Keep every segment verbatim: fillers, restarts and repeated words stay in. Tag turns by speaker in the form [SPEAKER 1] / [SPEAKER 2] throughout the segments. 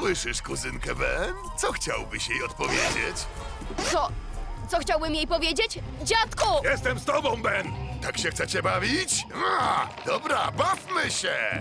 [SPEAKER 1] Słyszysz kuzynkę Ben? Co chciałbyś jej odpowiedzieć?
[SPEAKER 2] Co? Co chciałbym jej powiedzieć? Dziadku!
[SPEAKER 3] Jestem z tobą, Ben!
[SPEAKER 1] Tak się chcecie bawić? A, dobra, bawmy się!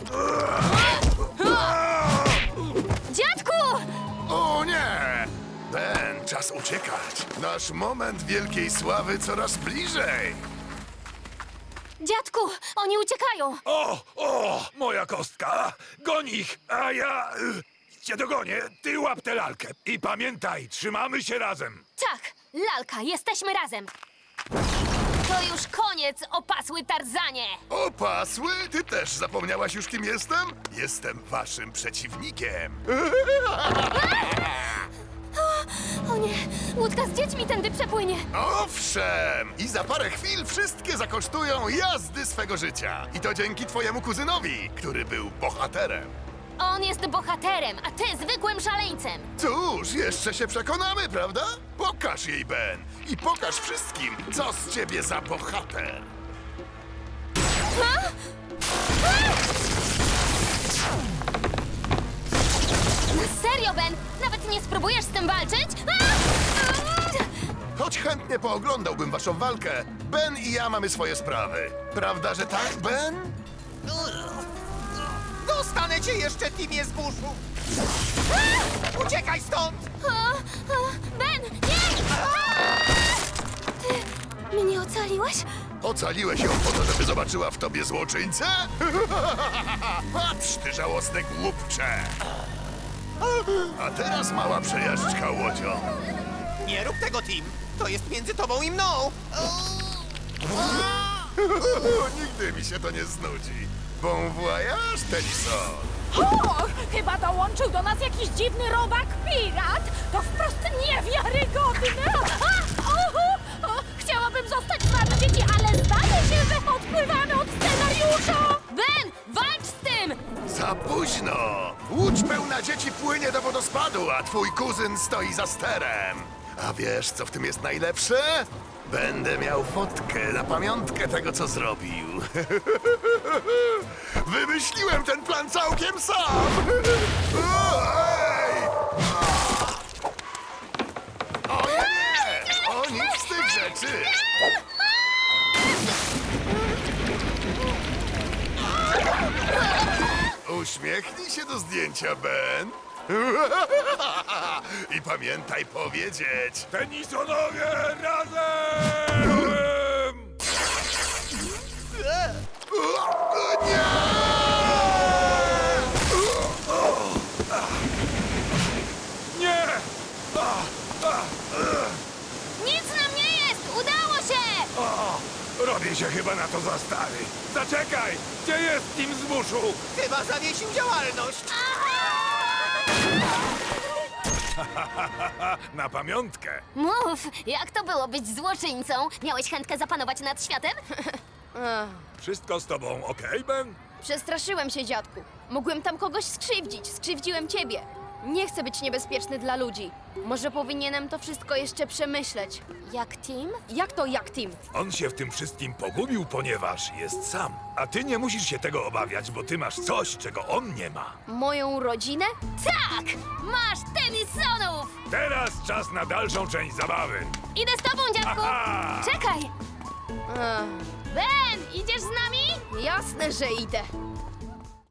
[SPEAKER 2] Dziadku!
[SPEAKER 1] O nie! Ben, czas uciekać. Nasz moment wielkiej sławy coraz bliżej.
[SPEAKER 2] Dziadku, oni uciekają!
[SPEAKER 3] O, o, moja kostka! Goń ich, a ja y, cię dogonię. Ty łap tę lalkę. I pamiętaj, trzymamy się razem.
[SPEAKER 2] Tak, lalka, jesteśmy razem! To już koniec, opasły Tarzanie!
[SPEAKER 1] Opasły? Ty też zapomniałaś już, kim jestem? Jestem waszym przeciwnikiem.
[SPEAKER 2] O nie, łódka z dziećmi tędy przepłynie!
[SPEAKER 1] Owszem! I za parę chwil wszystkie zakosztują jazdy swego życia. I to dzięki twojemu kuzynowi, który był bohaterem.
[SPEAKER 2] On jest bohaterem, a ty zwykłym szaleńcem!
[SPEAKER 1] Cóż, jeszcze się przekonamy, prawda? Pokaż jej, Ben. I pokaż wszystkim, co z ciebie za bohater.
[SPEAKER 2] Serio, Ben? Nawet nie spróbujesz z tym walczyć? A!
[SPEAKER 1] Choć chętnie pooglądałbym waszą walkę, Ben i ja mamy swoje sprawy. Prawda, że tak, Ben?
[SPEAKER 4] Dostanę cię jeszcze, Timie z buszu! Uciekaj stąd!
[SPEAKER 2] O, o, Ben, nie! Ty mnie ocaliłeś?
[SPEAKER 1] Ocaliłeś ją po to, żeby zobaczyła w tobie złoczyńcę? Patrz, ty żałosny głupcze! A teraz mała przejażdżka łodzią.
[SPEAKER 4] Nie rób tego, Tim! To jest między tobą i mną!
[SPEAKER 1] Nigdy mi się to nie znudzi. Bon voyage, Tennyson!
[SPEAKER 5] O, chyba dołączył do nas jakiś dziwny robak pirat. To wprost niewiarygodne. A, o, o, chciałabym zostać z wami, dzieci, ale zdaje się, że odpływamy od scenariusza.
[SPEAKER 2] Ben, walcz z tym!
[SPEAKER 1] Za późno! Łódź pełna dzieci płynie do wodospadu, a twój kuzyn stoi za sterem. A wiesz, co w tym jest najlepsze? Będę miał fotkę na pamiątkę tego, co zrobił. Wymyśliłem ten plan całkiem sam! Ej! O nie! O nic z tych rzeczy! Uśmiechnij się do zdjęcia, Ben. I pamiętaj powiedzieć.
[SPEAKER 3] Tennisonowie razem!
[SPEAKER 1] O, nie!
[SPEAKER 3] Nie!
[SPEAKER 2] Nic nam nie jest! Udało się!
[SPEAKER 3] O, robię się chyba na to za stary. Zaczekaj! Gdzie jest Tim z buszu?
[SPEAKER 4] Chyba zawiesił działalność!
[SPEAKER 3] Na pamiątkę.
[SPEAKER 2] Mów, jak to było być złoczyńcą? Miałeś chętkę zapanować nad światem?
[SPEAKER 3] Wszystko z tobą okej, Ben?
[SPEAKER 2] Przestraszyłem się, dziadku. Mogłem tam kogoś skrzywdzić. Skrzywdziłem ciebie. Nie chcę być niebezpieczny dla ludzi. Może powinienem to wszystko jeszcze przemyśleć. Jak Tim? Jak to jak Tim?
[SPEAKER 3] On się w tym wszystkim pogubił, ponieważ jest sam. A ty nie musisz się tego obawiać, bo ty masz coś, czego on nie ma.
[SPEAKER 2] Moją rodzinę? Tak! Masz Tennysonów!
[SPEAKER 3] Teraz czas na dalszą część zabawy.
[SPEAKER 2] Idę z tobą, dziadku!
[SPEAKER 3] Aha!
[SPEAKER 2] Czekaj! Ben, idziesz z nami? Jasne, że idę.